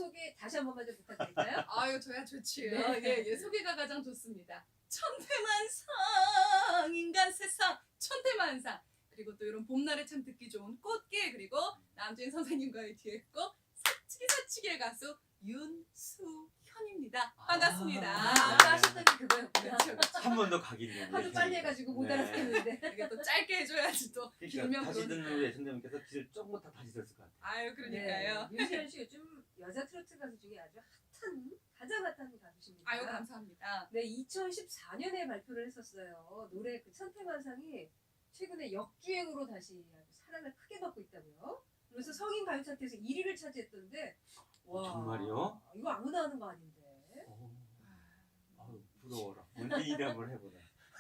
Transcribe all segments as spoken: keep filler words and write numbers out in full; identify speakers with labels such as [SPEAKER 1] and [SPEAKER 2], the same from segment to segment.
[SPEAKER 1] 소개 다시 한 번만 좀 부탁드릴까요?
[SPEAKER 2] 아유 저야 좋지요.
[SPEAKER 1] 네.
[SPEAKER 2] 예, 예, 소개가 가장 좋습니다. 천태만상 인간 세상 천태만상. 그리고 또 이런 봄날에 참 듣기 좋은 꽃게 그리고 남진 선생님과의 듀엣곡 사치기 사치기의 가수 윤수현입니다. 반갑습니다.
[SPEAKER 1] 아, 아까 하셨던 게 그거였구나.
[SPEAKER 2] 그렇죠, 그렇죠.
[SPEAKER 3] 한 번 더 각인이네.
[SPEAKER 1] 하도 빨리 해가지고 못
[SPEAKER 3] 네.
[SPEAKER 1] 알아듣겠는데.
[SPEAKER 2] 이게 또 짧게 해줘야지 또 길면
[SPEAKER 3] 그러니까 다시
[SPEAKER 2] 그러니까.
[SPEAKER 3] 듣는 우리 애청자분께서 귀를 조금 더 다시 들었을 것 같아요.
[SPEAKER 2] 아유 그러니까요.
[SPEAKER 1] 네. 윤시현 씨 요즘 여자 트로트 가수 중에 아주 핫한 가장 핫한 가수십니다.
[SPEAKER 2] 아유 감사합니다.
[SPEAKER 1] 네, 이천십사 년에 발표를 했었어요. 노래 그 천태만상이 최근에 역주행으로 다시 아주 사랑을 크게 받고 있다고요. 그래서 성인 가요 차트에서 일 위를 차지했던데 와,
[SPEAKER 3] 정말요?
[SPEAKER 1] 이거 아무나 하는 거 아닌데.
[SPEAKER 3] 오, 아유, 부러워라. 뭔 일이 한번 해보자.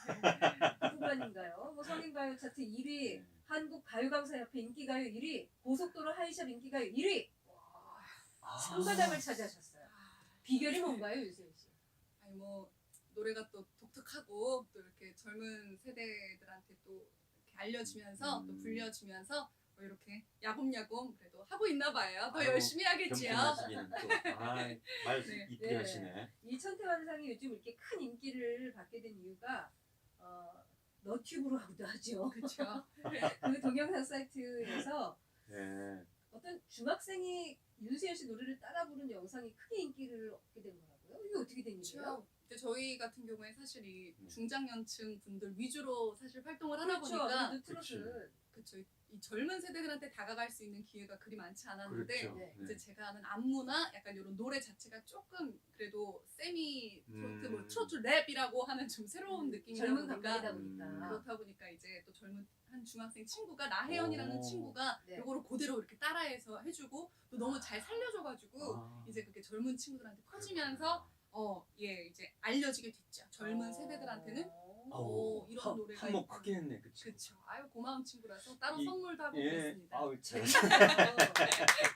[SPEAKER 1] 누구만인가요? 뭐 성인 가요 차트 일 위,
[SPEAKER 3] 네.
[SPEAKER 1] 한국 가요강사협회 인기가요 일 위, 고속도로 하이샵 인기가요 일 위.
[SPEAKER 3] 아.
[SPEAKER 1] 상가장을 차지하셨어요. 비결이 뭔가요, 유세윤 씨?
[SPEAKER 2] 아니 뭐 노래가 또 독특하고 또 이렇게 젊은 세대들한테 또 이렇게 알려주면서
[SPEAKER 3] 음.
[SPEAKER 2] 또 불려주면서 뭐 이렇게 야곱야곱 그래도 하고 있나 봐요. 더
[SPEAKER 3] 아유,
[SPEAKER 2] 열심히 하겠지요.
[SPEAKER 3] 겸손하시기는 또. 아, 말
[SPEAKER 2] 네.
[SPEAKER 3] 이쁘게
[SPEAKER 1] 네.
[SPEAKER 3] 하시네.
[SPEAKER 1] 이 천태만상이 요즘 이렇게 큰 인기를 받게 된 이유가 어, 너튜브로 하기도 하죠.
[SPEAKER 2] 그렇죠.
[SPEAKER 1] 그 동영상 사이트에서
[SPEAKER 3] 네.
[SPEAKER 1] 어떤 중학생이 윤수현 씨 노래를 따라 부른 영상이 크게 인기를 얻게 된 거라고요? 이게 어떻게 된 일이에요?
[SPEAKER 2] 그렇죠. 근데 저희 같은 경우에 사실 이
[SPEAKER 3] 네.
[SPEAKER 2] 중장년층 분들 위주로 사실 활동을 하다
[SPEAKER 1] 그렇죠.
[SPEAKER 2] 보니까
[SPEAKER 1] 아무래도 트롯은
[SPEAKER 2] 그렇죠. 이 젊은 세대들한테 다가갈 수 있는 기회가 그리 많지 않았는데
[SPEAKER 3] 그렇죠.
[SPEAKER 1] 네.
[SPEAKER 2] 이제 제가 하는 안무나 약간 이런 노래 자체가 조금 그래도 세미 트로트 뭐
[SPEAKER 3] 음.
[SPEAKER 2] 트로트 랩이라고 하는 좀 새로운
[SPEAKER 1] 음,
[SPEAKER 2] 느낌이다
[SPEAKER 1] 젊은
[SPEAKER 2] 보니까
[SPEAKER 1] 감각이다
[SPEAKER 3] 음.
[SPEAKER 1] 보니까.
[SPEAKER 2] 그렇다 보니까 이제 또 젊은 한 중학생 친구가 나혜연이라는
[SPEAKER 3] 오.
[SPEAKER 2] 친구가
[SPEAKER 1] 네.
[SPEAKER 2] 요거를 그대로 이렇게 따라해서 해주고 또 너무 잘 살려줘가지고
[SPEAKER 3] 아.
[SPEAKER 2] 이제 그게 젊은 친구들한테 퍼지면서 어 예 이제 알려지게 됐죠. 젊은 세대들한테는
[SPEAKER 3] 아우,
[SPEAKER 2] 오, 이런
[SPEAKER 3] 한-
[SPEAKER 2] 노래가
[SPEAKER 3] 한몫
[SPEAKER 2] 있구나.
[SPEAKER 3] 크게 했네, 그치?
[SPEAKER 2] 그렇죠. 아유 고마운 친구라서 따로
[SPEAKER 3] 이-
[SPEAKER 2] 선물도 하고
[SPEAKER 3] 예.
[SPEAKER 2] 그랬습니다.
[SPEAKER 3] 아우 참.